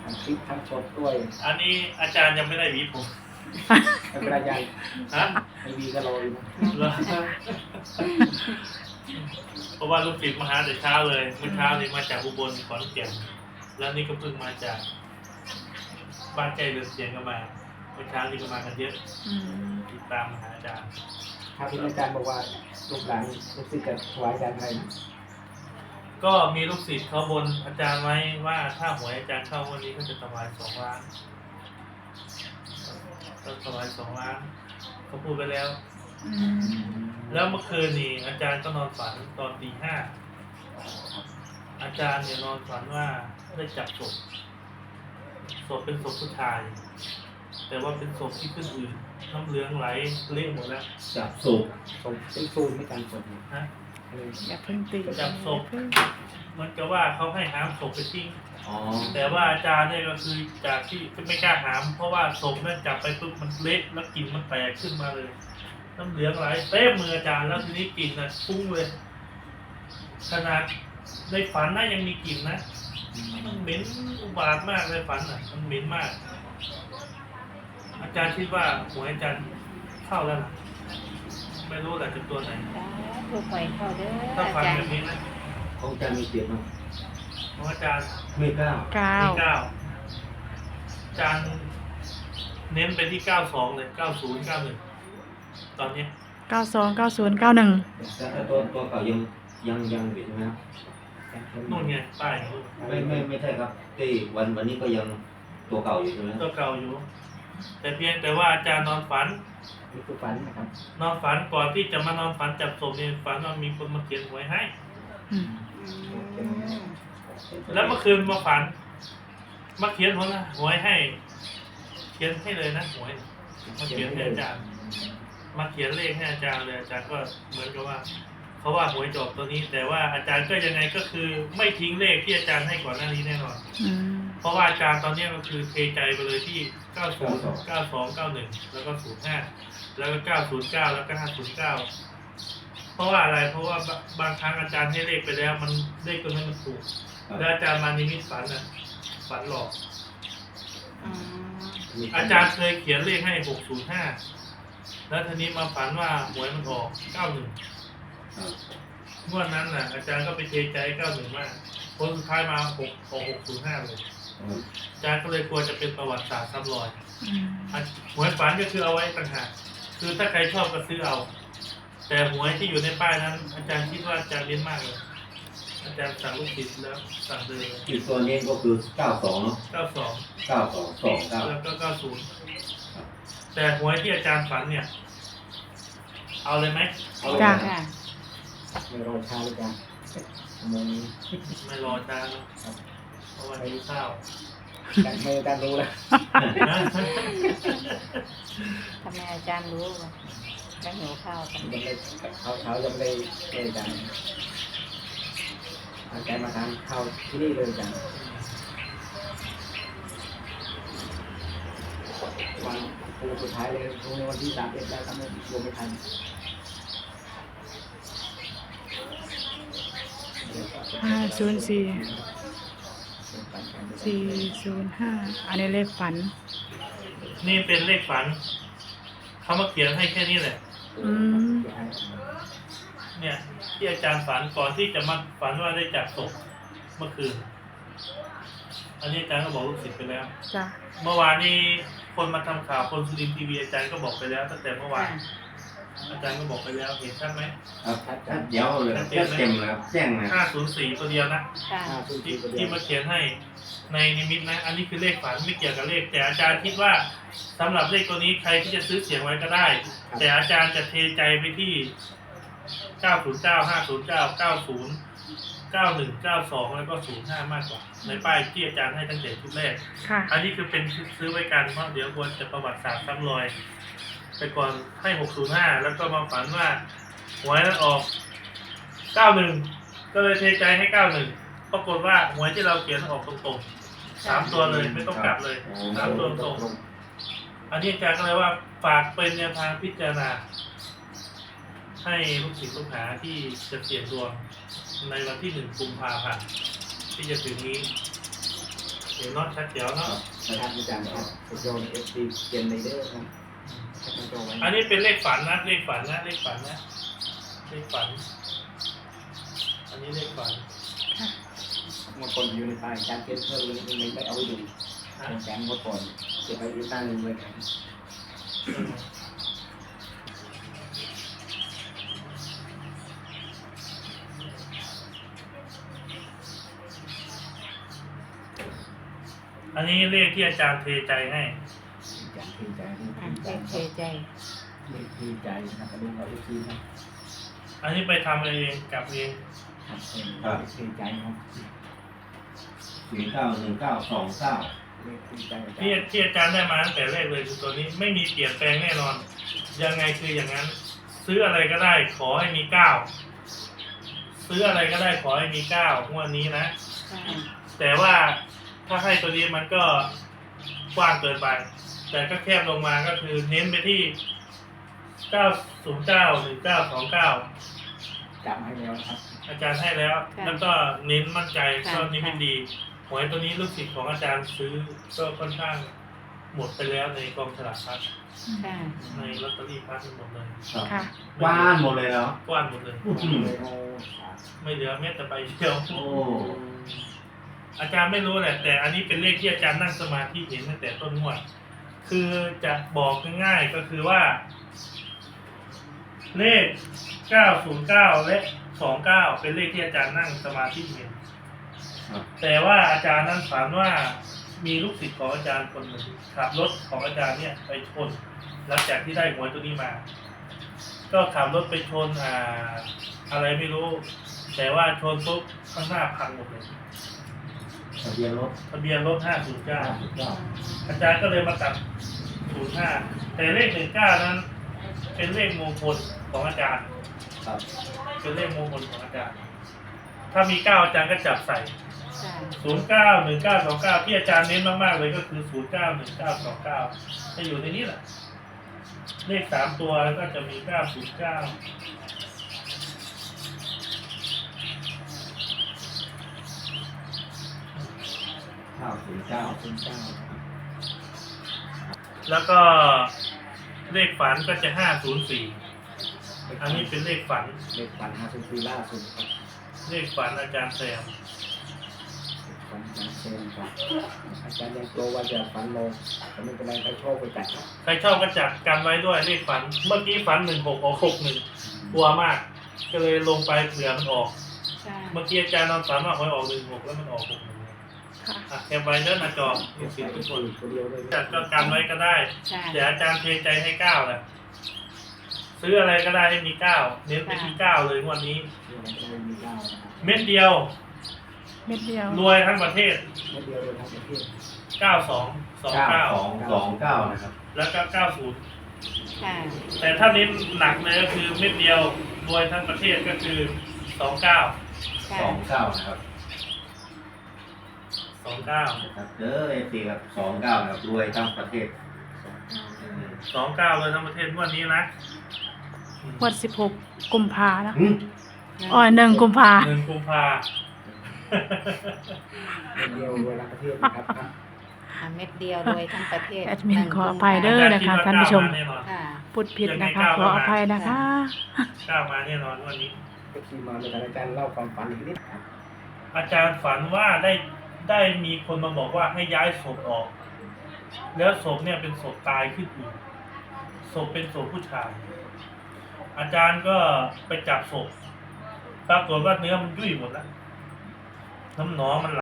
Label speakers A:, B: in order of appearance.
A: ทั้งคลิปทั้งสดด้วย
B: อันนี้อาจารย์ยังไม่ได้หวีผม
A: ไม่เป็นไรใหญ่
B: ฮะ
A: ไม่มีก็รออยู่นะ
B: เหรอเพราะว่าลูกศิษย์มาหาแต่เช้าเลยเมื่อเช้านี้มาจากอุบลขอนแก่นแล้วนี่ก็เพิ่งมาจากบ้านใกล้เรือนเสียงก็มาเมื่อเช้านี่ก็มากันเยอะติดตามมาหาอาจารย์
A: ถ้าที่อาจารย์บอกว่าลูกหลานลูกศิษย์จะถวายอาจารย์อะไรนะ
B: ก็มีลูกศิษย์เขาบนอาจารย์ไว้ว่าถ้าหวยอาจารย์เข้าวันนี้ก็จะถวาย2 ล้านก็ถวาย2 ล้านเขาพูดไปแล้ว แล้วเมื่อคืนนี่อาจารย์ก็นอนฝันตอนตี 5อาจารย์เนี่ยนอนฝันว่าได้จับศพเป็นศพผู้ชาย แต่ว่าเป็นศพที่ขึ้นอืดน้ำเหลืองไหลเละหมดแล้ว
C: จับสูบ
A: ส่งเป็นซูนไม่การสดนะ
B: นะ
D: อย่าเพิ่งตี
B: จับศพเหมันก็ว่าเขาให้หามศพไปทิ้ง
C: อ๋อ
B: แต่ว่าอาจารย์เนี่ยก็คือจากที่ไม่กล้าหาม เพราะว่าศพนั่นจับไปปุ๊บมันเละแล้วกลิ่นมันแตกขึ้นมาเลย น้ำเหลืองไหลเต็มมืออาจารย์แล้วทีนี้กลิ่นน่ะฟุ้งเลย ขนาดในฝันน่ะยังมีกลิ่นนะมันเหม็นอุบาทมากเลยฝันน่ะมันเหม็นมาก อาจารย์คิดว่าหัวอาจารย์เข้าแล้วล่ะไม่รู้แหละจะตัวไหน
D: ถูกไปเข้าเด้อ
B: ถ้า
D: อา
B: ฝัน
D: จาร
B: แบ
D: ย์
B: บนี้นะ
C: ของอาจารย์มีเจ็ดมั้ง
B: ของอาจารย์
C: ไม่เก้า
D: เก้า
B: ที่อาจารย์เน้นไปที่92เลย90 91ตอนนี้
D: 929091
C: แต่ถ้าตัวเก่ายังอยู่ใช่ไหมครับ
B: นู่นไงป้าย
C: ไม่ใช่ครับที่วันนี้ก็ยังตัวเก่าอยู่ใช่ไหม
B: ตัวเก่าอยู่ แต่เพียงแต่ว่าอาจารย์นอนฝัน
A: นี่คือฝันนะครับ
B: นอนฝันก่อนที่จะมานอนฝันจับศพเนี่ยฝันว่ามีคนมาเขียนหวยให้ แล้วเมื่อคืนมาฝันมาเขียนหวยให้ เขียนให้เลยนะหวยมาเขียนให้อาจารย์ มาเขียนเลขให้อาจารย์เลยอาจารย์ก็เหมือนกับว่าเขาว่าหวยจบตัวนี้ แต่ว่าอาจารย์ก็ยังไงก็คือไม่ทิ้งเลขที่อาจารย์ให้ก่อนหน้านี้แน่นอน เพราะว่าอาจารย์ตอนนี้ก็คือเทใจไปเลยที่ 90 92 91 แล้วก็ 05 แล้วก็ 909 แล้วก็ 509 เพราะว่าอะไร เพราะว่าบางครั้งอาจารย์ให้เลขไปแล้วมันเลขตัวนั้นมันถูก แล้วอาจารย์มานิมิตฝันน่ะฝันหลอก อาจารย์เคยเขียนเลขให้ 605 แล้วทีนี้มาฝันว่าหวยมันออก 91 งวดนั้นน่ะอาจารย์ก็ไปเทใจ 91 มากผลสุดท้ายมา605 เลย อาจารย์ก็เลยกลัวจะเป็นประวัติศาสตร์ซ้ำรอยหวยฝันก็คือเอาไว้ต่างหากคือถ้าใครชอบก็ซื้อเอา แต่หวยที่อยู่ในป้ายนั้น อาจารย์คิดว่าอาจารย์เล่นมากเลย อาจารย์สั่งลูกศิษย์แล้วสั่งเลย
C: อีกตัวนี้ก็คือ92เนาะ
B: 92
C: 9229
B: แล้วก็90แต่หวยที่อาจารย์ฝันเนี่ย เอาเลยไหม
A: เอาเลย
D: จ้า
A: นะไม่รอช้าเลยจ้ะโมงนี้
B: ไม่รออาจารย์นะเพราะวันนี้ข้าว
A: แต่ไม่อาจารย์รู้แล้ว
B: นะ
D: ทำไมอาจารย์รู้ว่าจะหิวข้าวกัน
A: ยังไม่เช้ายังไม่ได้อาจารย์อาจารย์มาทานข้าวที่นี่เลยอาจารย์วันสุดท้ายเลยพรุ่งนี้วันที่31แล้วครับไม่รวมไม่ทัน
D: 504 405 อันนี้เลขฝัน
B: นี่เป็นเลขฝัน เขามาเขียนให้แค่นี้แหละ เนี่ย ที่อาจารย์ฝันก่อนที่จะมาฝันว่าได้จับศพเมื่อคืน อันนี้อาจารย์ก็บอกลูกศิษย์ไปแล้ว
D: จ้ะ
B: เมื่อวานนี้คนมาทำข่าวคนสุรินทร์ทีวีอาจารย์ก็บอกไปแล้วตั้งแต่เมื่อวาน อาจารย์ก็บอกไปแล้วเห็นใช่ไหม
C: ครับเดี๋ยวเลยเต็มแล้วแจ้งนะ
B: 504 ตัวเดียวนะ
D: ค่ะ
B: ที่มาเขียนให้ในนิมิตนะ อันนี้คือเลขฝันไม่เกี่ยวกับเลข แต่อาจารย์คิดว่าสำหรับเลขตัวนี้ใครที่จะซื้อเสียงไว้ก็ได้ แต่อาจารย์จะเทใจไปที่ 909 509 90 91 92 แล้วก็ 05 มากกว่า ในป้ายที่อาจารย์ให้ตั้งแต่ชุดแรก
D: ค่ะ
B: อันนี้คือเป็นซื้อไว้กันเพราะเดี๋ยวควรจะประวัติศาสตร์ซ้ำรอยไปก่อนให้ 605 แล้วก็มาฝันว่าหวยนั้นออก 91 ก็เลยเทใจให้ 91 ปรากฏว่าหวยที่เราเขียนออกตรงๆ 3 ตัวเลยไม่ต้องกลับเลย 3 ตัวตรงๆ อันนี้อาจารย์ก็เลยว่าฝากเป็นแนวทางพิจารณา ให้ลูกศิษย์ลูกหาที่จะเสี่ยงดวงในวันที่ 1 กุมภาพันธ์ที่จะถึงนี้เห็นเนาะชัดเจ๋วเนาะ
A: นะครับอาจารย์ครับสุดยอดเอฟซีเจนไนเดอร์ครับให้มันโตไว้
B: อันนี้เป็นเลขฝันนะเลขฝันนะเลขฝันนะเลขฝัน อันนี้เลขฝัน
A: บางคนอยู่ในป่าอาจารย์เก็บเพิ่มเลยไม่เอาไว้ดูอาจารย์งดก่อนเก็บไว้อยู่ใต้หนึ่งเลยครับ
B: อันนี้เลขที่อาจารย์เทใจให้
A: อาจารย์ทีใจ
D: อ่ะเลขเทใจ
A: เลขทีใจนะครับดูเอาเลขทีครับ
B: อันนี้ไปทำเองกลับเอง
A: ครับเลขทีใจครับ
C: 091929
A: เลขทีใจอาจาร
B: ที่
A: ย์
B: ที่อาจารย์ได้มาตั้งแต่แรกเลยคือตัวนี้ไม่มีเปลี่ยนแปลงแน่นอน ยังไงคืออย่างนั้น ซื้ออะไรก็ได้ขอให้มีเก้าซื้ออะไรก็ได้ขอให้มีเก้างวดนี้นะ
D: ค่ะ
B: แต่ว่าถ้าให้ตัวนี้มันก็กว้างเกินไป แต่ก็แคบลงมาก็คือเน้นไปที่ 909 หรือ 929
A: จำให้แล้วครับ
B: อาจารย์ให้แล้ว แล้วก็เน้นมั่นใจ
D: ค่ะ
B: ก็นิมิตดีหวยตัวนี้ลูกศิษย์ของอาจารย์ซื้อก็ค่อนข้างหมดไปแล้วในกองฉลากพลัส
D: ค่ะ
B: ในลอตเตอรี่พลัสหมดเลย
D: ค่ะ
C: ว่านหมดเลยแล้ว
B: กว้านหมดเลย
A: เลยโอ้
B: ไม่เหลือแม้แต่ใบเดียว
C: โอ้
B: อาจารย์ไม่รู้แหละแต่อันนี้เป็นเลขที่อาจารย์นั่งสมาธิเห็นตั้งแต่ต้นงวดคือจะบอกง่ายๆก็คือว่า เลข 909 และ 29 เป็นเลขที่อาจารย์นั่งสมาธิเห็น
C: ครับ
B: แต่ว่าอาจารย์นั้นฝันว่ามีลูกศิษย์ของอาจารย์คนหนึ่งขับรถของอาจารย์เนี่ยไปชนหลังจากที่ได้หวยตัวนี้มา ก็ขับรถไปชนอะไรไม่รู้ แต่ว่าชนปุ๊บข้างหน้าพังหมดเลย
C: ทะเบียนรถ
B: ทะเบียนรถ 509
C: 59
B: อาจารย์ก็เลยมาตัด 05 แต่เลข 19 นั้น เป็นเลขมงคลของอาจารย์
C: ครับ
B: เป็นเลขมงคลของอาจารย์ ถ้ามี 9 อาจารย์ก็จับใส่
D: ค่ะ
B: 09 19 29 ที่อาจารย์เน้นมากๆเลยก็คือ 09 19 29 จะอยู่ในนี้แหละ เลข 3 ตัวแล้วก็จะมี 909
C: 909
A: คุณเจ้า
B: แล้วก็เลขฝันก็จะ 504 อันนี้เป็นเลขฝัน
A: เลขฝัน504ล่าสุดครับ
B: เลขฝันอาจารย์แซม
A: ฝันจากเซนครับอาจารย์ยังกลัวว่าจะฝันลงแต่ไม่เป็นไรใครชอบไปจัดครับ
B: ใครชอบก็จัดกันไว้ด้วยเลขฝัน เมื่อกี้ฝัน 16 ออก 61 กลัวมาก ก็เลยลงไปเผื่อมันออก
D: ค่ะ
B: เมื่อกี้อาจารย์นอนฝันว่าหวยออก 16 แล้วมันออก 61
D: ค่ะ
B: อ่ะแคปไว้เด้อหน้าจอมีสิทธิ์ทุกคน
A: ตัวเดียวเลย
B: จัดก็กันไว้ก็ได้
D: ค่ะ
B: เดี๋ยวอาจารย์เทใจให้9แหละซื้ออะไรก็ได้ให้มี 9 เน้นไปที่ 9 เลยงวันนี้
A: เดี๋ยวมันจะไม่มีเก้านะครับ
B: เม็ดเดียว
D: เม็ดเดียว
B: รวยทั้งประเทศ
A: ไม่เดียวเลยครับเพื่อน
B: 9229
C: นะครับ
B: แล้วก็ 90
D: ค่ะ
B: แต่ถ้าเน้นหนักเลยก็คือเม็ดเดียวรวยทั้งประเทศก็คือ 29
D: ค่ะ
C: 29นะครับ
B: 29
C: นะครับเด้อ FC ครับ29นะครับรวยทั้งประเทศ
B: 29เลยทั้งประเทศงวันนี้นะ
D: วัน16 กุมภานะ
C: หึ
D: อ๋อ1 กุมภา
B: 1 กุมภา
A: ไม่เดียวรวยทั้งประเทศนะครับ
D: อ่ะเม็ดเดียวรวยทั้งประเทศแอดมินขออภัยเด้อนะคะท่านผู้ชม
B: แน่นอน
D: ค่ะ
B: พูดผิด
D: นะคะขออภัยนะคะ
B: 9มาแน่นอนวันนี้
A: ก็ที่มาในการอาจารย์เล่าความฝันอีกนิดครับ
B: อาจารย์ฝันว่าได้มีคนมาบอกว่าให้ย้ายศพออก แล้วศพเนี่ยเป็นศพตายขึ้นอีกศพเป็นศพผู้ชาย อาจารย์ก็ไปจับศพปรากฏว่าเนื้อมันยุ่ยหมดแล้วน้ำหนองมัน